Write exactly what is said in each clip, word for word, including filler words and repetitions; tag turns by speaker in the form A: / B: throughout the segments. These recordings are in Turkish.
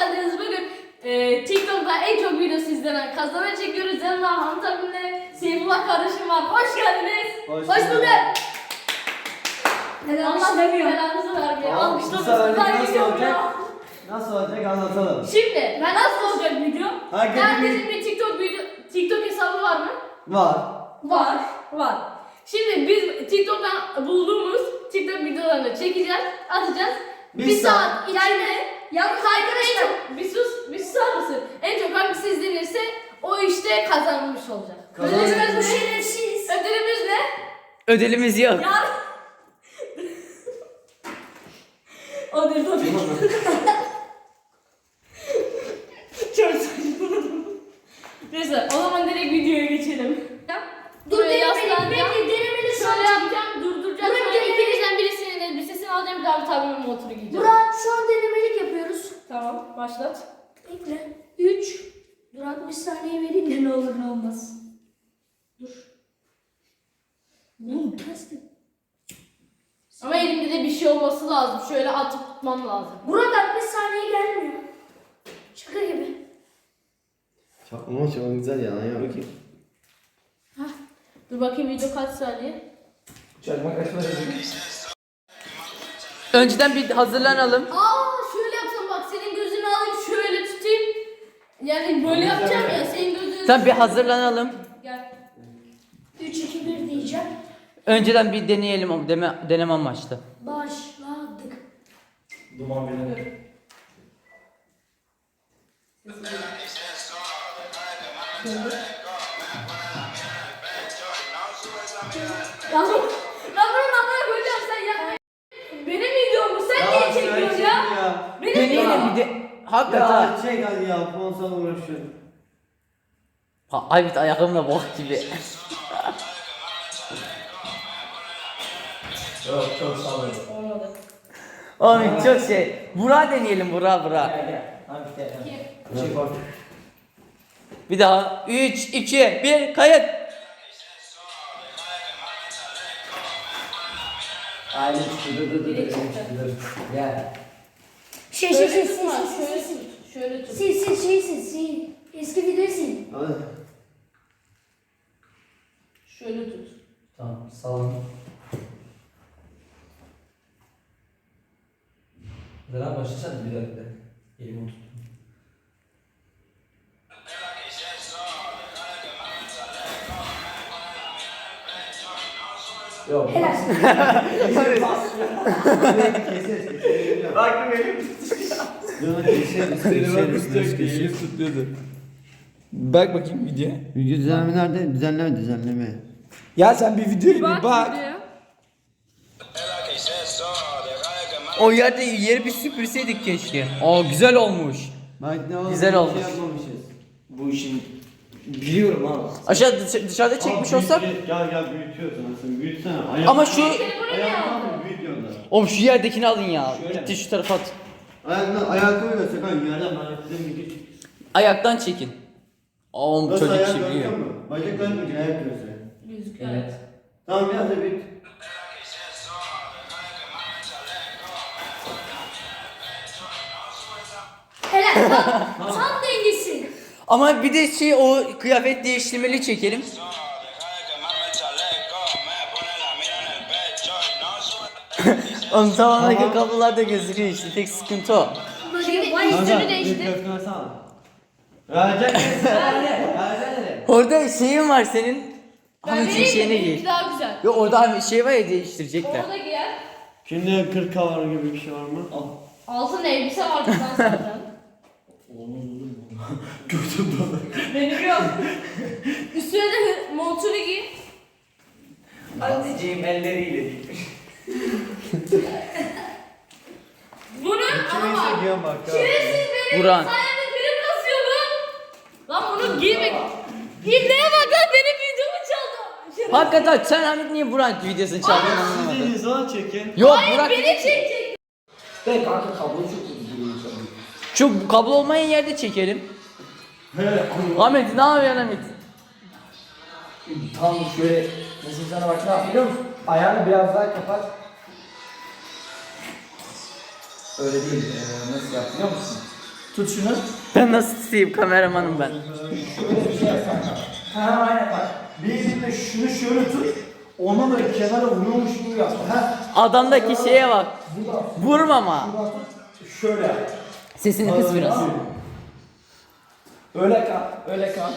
A: geldiniz. Bugün e, TikTok'ta en çok videosu izlenen kazanan çekiyoruz. Yanımda Hamit abimle Seyfullah kardeşim var. Hoş geldiniz.
B: Hoş
A: Hoş bulduk.
C: Neden
A: Allah
C: alkışlamıyor?
A: belanızı vermiyor.
B: Tamam, bu
A: Alkışlamasın.
B: seferlik
A: Ben
B: nasıl
A: gidiyorum
B: olacak?
A: ya.
B: Nasıl olacak anlatalım.
A: Şimdi ben nasıl olacak video?
B: Herkesin
A: Herkesin bir TikTok video, TikTok hesabı var mı?
B: Var.
A: Var. Var. Şimdi biz TikTok'tan bulduğumuz TikTok videolarını çekeceğiz, atacağız.
B: Bir
A: Bir,
B: saat
A: saat içinde yalnız kaygın en çok bir sus, bir susar mısın? En çok hangisi izlenirse o işte kazanmış olacak.
B: Kazanmış.
A: Ödülümüz
C: Bu
A: ne?
C: şerefsiz.
A: Ödülümüz ne?
D: Ödülümüz yok.
A: Ya. O değil tabii. Çok saçmaladım. Neyse o zaman direkt videoya geçelim.
C: Dur
A: Buraya
C: denemeli,
A: yaslanacağım.
C: bekle denemeli şu
A: Şöyle
C: an.
A: yapacağım, durduracağım.
C: Buraya
A: Sonra
C: denemeli.
A: ikinizden birisinin elbisesini alacağım, bir daha bir tabimin montunu giyeceğim.
C: Murat şu an denemelik yapıyoruz.
A: Tamam, başlat.
C: Bekle. üç. Dur altmış saniye vereyim de ne olur ne olmaz. Dur. Ne kestim?
A: Ama elimde de bir şey olması lazım. Şöyle atıp tutmam lazım.
C: Murat altmış saniye gelmiyor. Şaka gibi.
B: Çok, ama çok güzel ya. Ya bakayım.
A: Hah. Dur bakayım video kaç saniye?
B: Çakmak açmadı.
D: Önceden bir hazırlanalım.
A: Aa şöyle yapsam bak, senin gözünü alayım şöyle tutayım. Yani böyle yapacağım ya, senin gözünü...
D: Tamam bir hazırlanalım.
A: Gel.
C: üç iki bir diyeceğim.
D: Önceden bir deneyelim ama deme, deneme amaçlı.
C: Başladık.
B: Duman bile.
A: Ya lan bunu namaya koyacağım, sen yapma. Benim videom bu, sen niye çekiyorsun ya? Benim
D: Deneyelim
A: videom.
D: bir de. Hakikaten.
B: Ya çek hadi ya. Sponsor uğraşıyor.
D: Ha, Aybit ayakımla bok gibi.
B: Yok çok salladım.
A: Olmadı.
D: Oğlum çok şey. Burak deneyelim Burak Burak.
B: Hadi gel.
A: Kim?
B: Çek bak.
D: Bir daha. üç, iki, bir, kayıt.
B: Aile çıktı. Dur dur dur.
A: Biri çıktı.
B: Gel.
C: Şey şey şey
A: Şöyle
C: sil
A: tutma,
C: sil
A: şöyle
C: sil sil.
A: tut, şöyle tut.
C: Sil sil şey sil sil. Eski videoyu sil.
B: Hadi.
A: Şöyle tut.
B: Tamam sallan. Neden başlasana bir dakika. Elimi tuttum. Yok.
C: Helal.
B: Keseriz keseriz. Baktım elim tutuyor. Keseriz keseriz keseriz.
E: tutuyordu. Bak bakayım video.
B: Video düzenleme nerede? Düzenleme düzenleme.
E: Ya sen bir videoya bir bak.
A: videoya.
D: O yerde yeri bir süpürseydik keşke. Aa güzel olmuş.
B: Bak ne oldu?
D: Güzel
B: bir
D: olmuş.
B: Şey yapmamışız. Bu işin biliyorum abi.
D: Aşağı dışarı- dışarıda çekmiş olsak.
B: Gel gel büyütüyorsun aslında. Büyütsene. Ayak,
D: Ama şu
B: ayağını büyüt yolda.
D: oğlum şu yerdekini alın ya.
B: Şöyle
D: Gitti
B: mi?
D: şu tarafa at.
B: Ayakla ayağı koyuyorsak hani yerden ben size bir git.
D: Ayaktan çekin. Oğlum
B: Nasıl
D: çocuk
B: ayak
D: işi biliyor.
B: görüyor musun? Bacak görmeyecek ayak görüyorsun.
A: Gözüküyor.
B: Evet. Tamam biraz da büyüt.
C: Helal. Bak, tam dengesi.
D: Ama bir de şey o kıyafet değiştirmeli çekelim. Oğlum tamamen kablolar da gözüküyor işte tek sıkıntı o.
A: Şimdi
C: Vay.
A: üstünü değiştir.
B: Köfteni alsana. Verecek misin? Verecek
D: Orada şeyin var senin.
A: Ben
D: Hamicin
A: vereyim mi?
D: şeyine
A: Benimki
D: giy.
A: daha güzel.
D: Yok orada hani şey var ya değiştirecekler.
A: Orada giyer.
B: Şimdi kırk kavar gibi bir şey var mı? Al.
A: Altın elbise vardı lan zaten.
B: Gördüm bana.
A: Benim yok. Üstüne de montunu giy.
D: Anneciğim elleriyle dikmiş.
A: Bunu ama
B: Kimse
A: bak.
B: giyen bak ya.
A: Şerefsiz benim
D: Buran.
A: sayemde prim kasıyor bu. Lan bunu giymek. İbneye bak lan, benim videomu çaldı. Şerefsiz.
D: Hakikaten sen Hamit niye Burak videosunu çaldın anlamadım.
B: Sizin sana çekin.
D: Yok
A: Hayır,
D: Burak
A: beni çekecek.
B: Ben kanka kablo çok kötü duruyor sana.
D: şu kablo olmayan yerde çekelim.
B: He.
D: Ahmet ne yapıyorsun Hamit?
E: Tam şöyle nasıl sana bak ne yap biliyor musun? Ayağını biraz daha kapat. Öyle değil. Ee, nasıl yap biliyor musun? Tut şunu.
D: Ben nasıl tutayım, kameramanım ben.
E: Şöyle bir şey yap kanka. Ha aynen bak. Bir elinde şunu şöyle tut. Ona böyle kenara vuruyormuş gibi yap. Ha.
D: Adamdaki şeye bak.
E: Buradan.
D: Vurma ama.
E: Buradan tut. Şöyle yap.
D: Sesini kıs biraz.
E: Öyle kal. Öyle kal.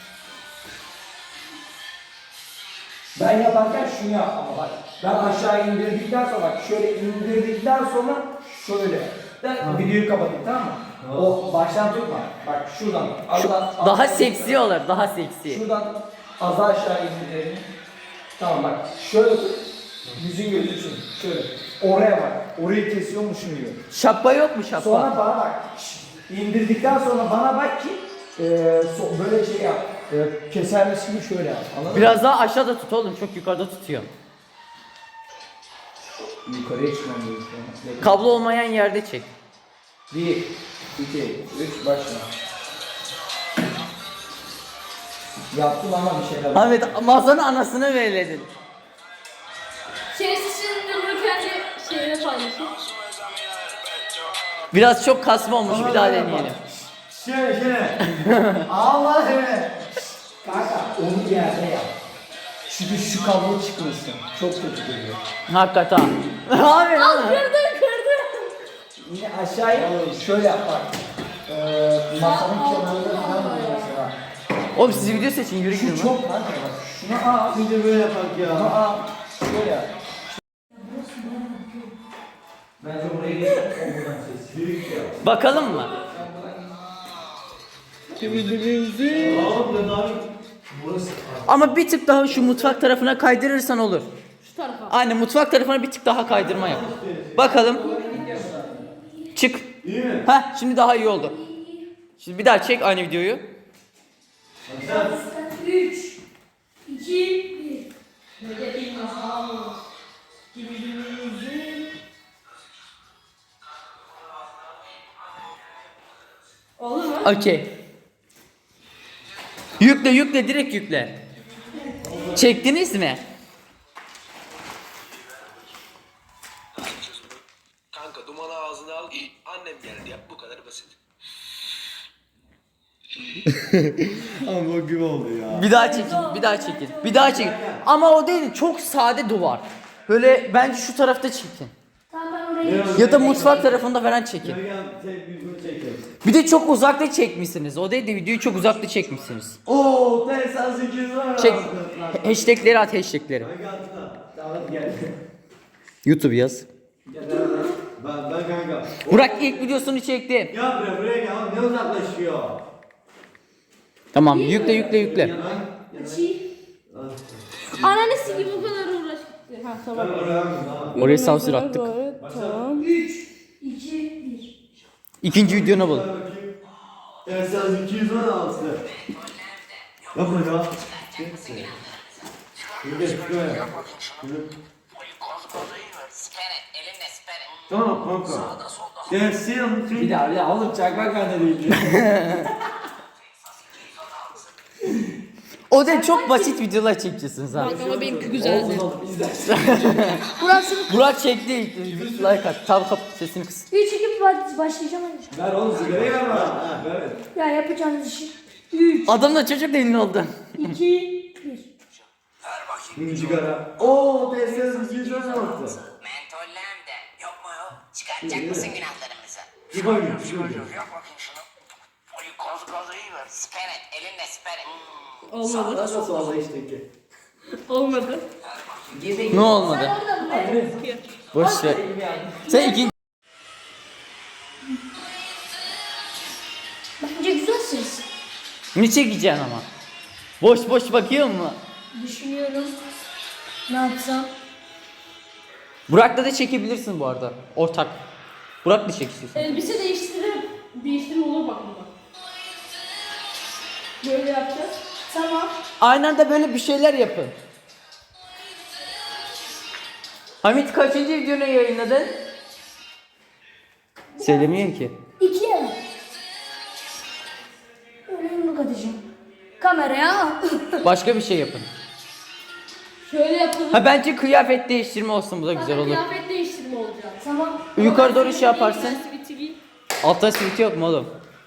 E: Ben yaparken şunu yap ama bak. Ben aşağı indirdikten sonra bak şöyle indirdikten sonra şöyle. Ben videoyu kapatayım tamam mı? O baştan tutma. Bak şuradan. Az az- az-
D: Daha seksi olur, daha seksi.
E: Şuradan az aşağı indirelim. Tamam bak. Şöyle tut. Yüzün gözüksün. Şöyle. Oraya bak. Orayı kesiyormuşum gibi.
D: Şapka yok mu şapka?
E: Sonra bana bak. Şşt, İndirdikten sonra bana bak ki e, so- böyle şey yap. E, kesermiş gibi şöyle yap. Anladın mı?
D: Biraz daha aşağıda tut oğlum, çok yukarıda tutuyor.
E: Yukarıya çıkmam gerekiyor.
D: Kablo olmayan yerde çek.
E: Bir, iki, üç, başla. Yaptım ama bir şeyler.
D: Ahmet, masanın anasını vereledin.
A: Şerefsiz şimdi bunu kendi şeyine paylaşın.
D: Biraz çok kasma olmuş, bir daha deneyelim.
E: Şöyle şöyle. Allah evet. Kanka onu bir yerde yap. Çünkü şu kablo çıkmasın. Çok kötü geliyor.
D: Hakikaten. Abi
A: Al
D: lan.
A: kırdı kırdı.
E: Yine aşağıya şöyle yap bak. Ee, masanın kenarında falan böyle mesela.
D: Oğlum siz video seçin, yürü gidin
E: Şu
D: lan.
E: çok kanka bak. Şunu al. Şimdi böyle yapak ya. Şunu al. Şöyle yap. Bence buraya geç. O buradan ses. Büyük ya.
D: Bakalım mı?
E: Burası.
D: Ama bir tık daha şu mutfak tarafına kaydırırsan olur.
A: Şu tarafa.
D: Aynen, mutfak tarafına bir tık daha kaydırma yap. Bakalım. Çık.
B: İyi mi?
D: Heh, şimdi daha iyi oldu. Şimdi bir daha çek aynı videoyu.
C: üç, iki, bir.
A: Olur mu?
D: Okey. Yükle yükle, direkt yükle. Çektiniz mi?
F: Kanka dumanı ağzına al. Annem geldi yap bu kadar basit.
B: Ama bu gibi oldu ya.
D: Bir daha çekin, bir daha çekin, bir daha çekin. Ama o değil, çok sade duvar. Böyle bence şu tarafta çekin.
C: Tamam ben orayı
D: Ya da mutfak tarafında falan çekin.
B: Gel gel tek bir gün çekelim.
D: Bir de çok uzakta çekmişsiniz. O değil de videoyu çok uzakta çekmişsiniz.
B: Oo, Tesla sekiz var.
D: Çek. Hashtagleri at, hashtagleri.
E: Tamam gel.
D: YouTube yaz.
B: Ben ben kanka.
D: Burak ilk videosunu çekti.
B: Gel buraya buraya gel. Ne uzaklaşıyor?
D: Tamam, yükle yükle yükle.
C: açayım.
A: Ananı sikeyim bu kadar uğraştık. Ha tamam.
D: Oraya sansür attık.
A: Tamam.
C: üç, iki, bir.
D: İkinci videonu bul.
B: Tesla iki yüz on altı. Yapma ya. Yürü şuraya. Yürü. Tamam kanka. Gelsin.
E: Bir daha bir daha oğlum çakmak bende değil.
D: O da çok basit videolar çekeceksiniz ha.
A: Ama benimki güzeldi.
C: Burası
D: Burak çekti ilk. Like at. Tam kap sesini kıs.
C: üç, iki, bir başlayacağım hadi.
E: Ver oğlum sigarayı ver bana. Ha, ver.
C: Ya yapacağınız işi. üç,
D: Adam da çocuk da ünlü oldu.
C: iki, bir.
B: Şimdi sigara. Oo, Tesla iki yüz on altı.
G: Mentollem de yok mu yok? Çıkartacak mısın günahlarımızı?
B: Çıkarmıyor, çıkarmıyor.
G: Yok bakayım şunu. Oy koz koz iyi ver. Siper et elinle siper et.
A: Olmadı.
E: Nasıl oldu işte ki?
A: Olmadı.
D: Ne olmadı?
C: Orada mı? Ne?
D: Boş ver. Sen ikinci...
C: Bence güzel ses.
D: Ne çekeceksin ama? Boş boş bakıyor mu?
C: Düşünüyorum. Ne yapsam?
D: Burak'la da çekebilirsin bu arada. Ortak. Burak da çek istiyorsan.
A: Elbise değiştirir. Değiştirme olur bak bunda. Böyle yapacağız.
C: Tamam.
D: Aynı anda böyle bir şeyler yapın. Hamit kaçıncı videonu yayınladın? Söylemiyor ki.
C: İkiye mi? Öyle yumruk atacağım. Kameraya.
D: Başka bir şey yapın.
A: Şöyle yapalım.
D: Ha bence kıyafet değiştirme olsun, bu da güzel olur.
A: Kıyafet değiştirme olacak.
C: Tamam.
D: Yukarı doğru şey yaparsın.
A: Siviti giy.
D: Altta siviti yok mu oğlum?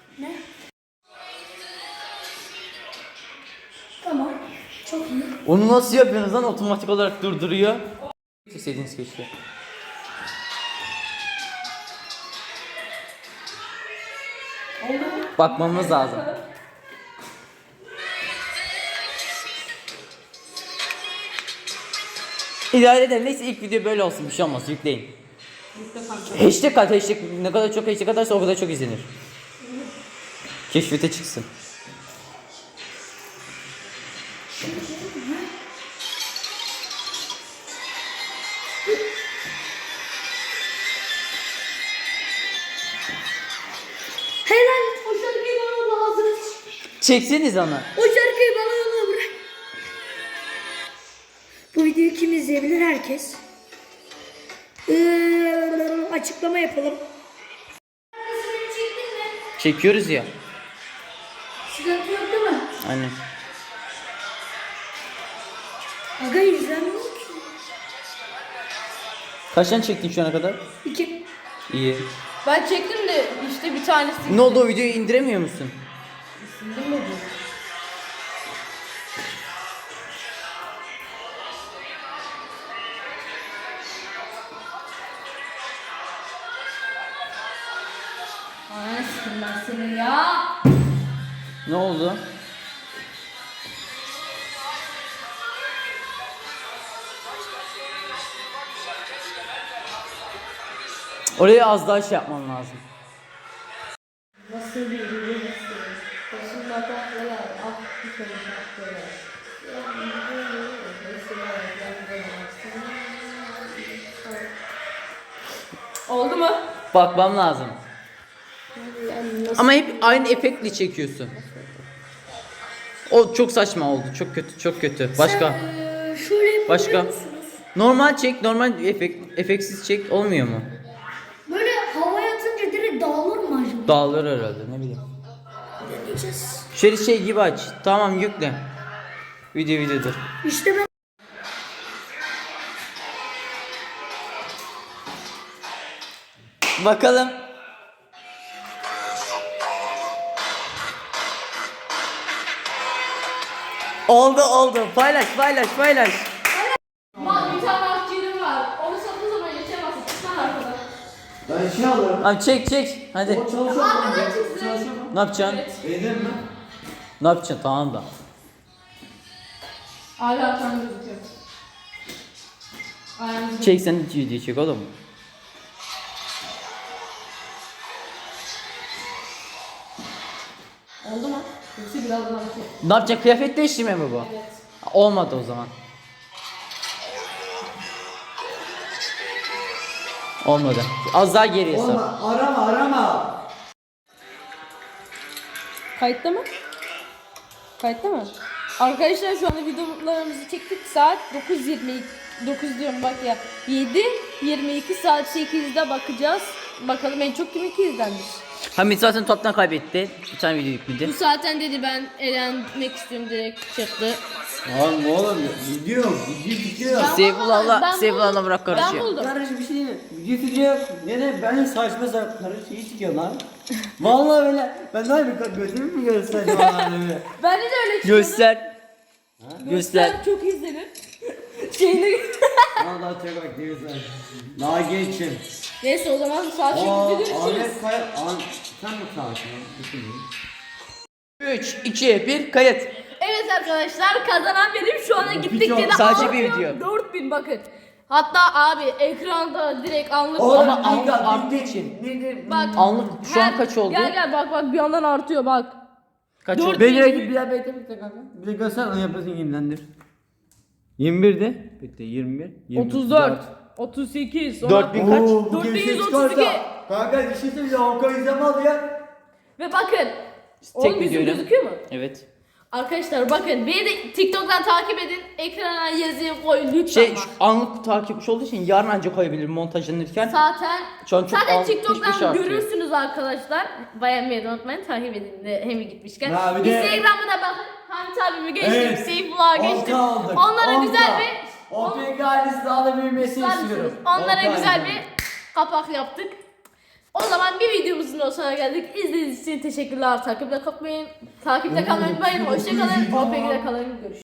C: Çok iyi.
D: Onu nasıl yapıyorsunuz lan? Otomatik olarak durduruyor. İstediğiniz keşke. Bakmamız lazım. İdare edelim. Neyse ilk video böyle olsun. Bir şey olmaz. Yükleyin. Hashtag at. Hashtag. Ne kadar çok hashtag atarsa o kadar çok izlenir. Keşfete çıksın.
C: Helal. O şarkıyı bana lazım.
D: Çekseniz onu.
C: O şarkıyı bana yolla bırak. Bu videoyu kim izleyebilir? Herkes. Ee, açıklama yapalım.
D: Çekiyoruz ya.
C: Sıkıntı yok değil mi?
D: Aynen.
C: Aga izlenmiyor ki.
D: Kaç tane çektin şu ana kadar?
C: İki.
D: İyi.
A: Ben çektim de işte bir tanesi.
D: Ne oldu, o videoyu indiremiyor musun?
A: İndirmedi. Ay sıkın ben seni ya.
D: Ne oldu? Oraya az daha şey yapman lazım.
A: Nasıl bir ürün istiyorsun? Başında tatlılar, ah bir kere tatlılar. Oldu mu?
D: Bakmam lazım. Ama hep aynı efektle çekiyorsun. O çok saçma oldu. Çok kötü, çok kötü. Başka.
C: Ee, şöyle yapabiliyor
D: Başka.
C: musunuz?
D: Normal çek, normal efekt, efektsiz çek, olmuyor mu?
C: Böyle havaya atınca direkt dağılır mı acaba?
D: Dağılır herhalde, ne bileyim.
C: Deneyeceğiz.
D: Şöyle şey gibi aç. Tamam, yükle. Video videodur.
C: İşte ben
D: Bakalım. Oldu oldu. Paylaş paylaş paylaş.
A: Bak bir tane akciğerim var. Onu sattığı zaman geçemezsin. Çıksana arkadan.
B: Ben şey alırım.
D: Abi çek çek. Hadi.
B: O çalışıyor mu?
A: Arkadan çıksın.
B: Çalışıyor mu?
D: Ne yapacaksın?
A: Evet.
B: Beğendin mi?
D: Ne yapacaksın? Tamam da.
A: Hala arkadan gözüküyor. Ayağınızı.
D: Çek sen de video çek oğlum.
A: Oldu mu? Yoksa birazdan hareket.
D: Ne yapacaksın? Kıyafet değiştirme mi bu?
A: Evet.
D: Olmadı o zaman. Olmadı. Az daha geriye sar.
B: Olma, arama arama.
A: Kayıtta mı? Kayıtta mı? Arkadaşlar şu anda videolarımızı çektik. Saat dokuz yirmi iki. dokuz diyorum bak ya. yedi yirmi iki saat sekizde bakacağız. Bakalım en çok kiminki izlenmiş.
D: Hamit zaten toptan kaybetti. Bir tane video yükledi.
A: Bu zaten dedi ben eğlenmek istiyorum direkt çıktı.
B: Oğlum oğlum video video tutuyor.
D: Seyfullah'la
A: Ben
D: Seyfullah'la
A: buldum.
D: bırak
A: Ben
D: karışıyor.
A: buldum.
B: Kardeş bir şey değil mi? Video tutuyor. Yine ben saçma sapan karı şeyi çıkıyor lan. Vallahi böyle ben daha bir götümü mü göstereceğim anneme?
A: Bence de öyle çıkıyordu.
D: Göster. Göster.
A: Çok izlenir. Şeyini...
B: Vallahi çok bak güzel. Daha geçin.
A: Neyse o zaman saat
B: Aa,
A: şimdi görüşürüz.
B: Ahmet Kaya, An sen mi sakin? Düşüneyim.
D: üç, iki, bir, kayıt.
A: Evet arkadaşlar kazanan benim şu anda gittikçe de
D: Sadece bir
A: artıyor.
D: video.
A: dört bin bakın. Hatta abi ekranda direkt anlık
B: Oğlum,
A: bak.
D: Ama
B: bir dakika,
D: anlık arttığı
B: bir-
D: için.
B: bir- bir-
A: Bak.
D: Anlık şu an
A: her-
D: kaç oldu?
A: Gel gel bak bak bir yandan artıyor bak.
D: Kaç
A: Dört
D: oldu?
A: bin.
B: Bekle bekle bir daha bekle bekle kanka. Bir de göster onu yapasın yenilendir. yirmi bir'de. Bekle yirmi bir. yirmi
A: otuz dört, otuz sekiz,
D: dört bin kaç?
B: Oo, bu
A: dört bin
B: gevşek
A: yüz otuz iki.
B: çıkarsa- Kanka bir şey söyleyeceğim. Avukat izlemez ya.
A: Ve bakın.
D: Tek
A: Oğlum yüzüm
D: videoyla.
A: gözüküyor mu?
D: Evet.
A: Arkadaşlar bakın beni de TikTok'tan takip edin. Ekrana yazıyı koy lütfen
D: Şey
A: bak.
D: şu anlık takipçi olduğu için yarın ancak koyabilirim montajlanırken.
A: Zaten
D: Şu an çok
A: zaten
D: altmış beş
A: TikTok'tan
D: artıyor.
A: görürsünüz arkadaşlar. Beğenmeyi de unutmayın. Takip edin de hem gitmişken.
B: Ya bir de-
A: Instagram'a da bakın. Hamit abimi geçtim.
B: Evet.
A: Seyfullah'a
B: on
A: geçtim.
B: K aldık,
A: Onlara
B: on K.
A: güzel bir
B: O P G ailesi daha da büyümesini
A: Var
B: istiyorum.
A: mısınız? Onlara
B: on K
A: güzel
B: izledim.
A: bir kapak yaptık. O zaman bir videomuzun da sonuna geldik. İzlediğiniz için teşekkürler. Takipte kalmayın. Takipte kalmayı unutmayın. Hoşçakalın. O P G'de kalın. Görüşürüz.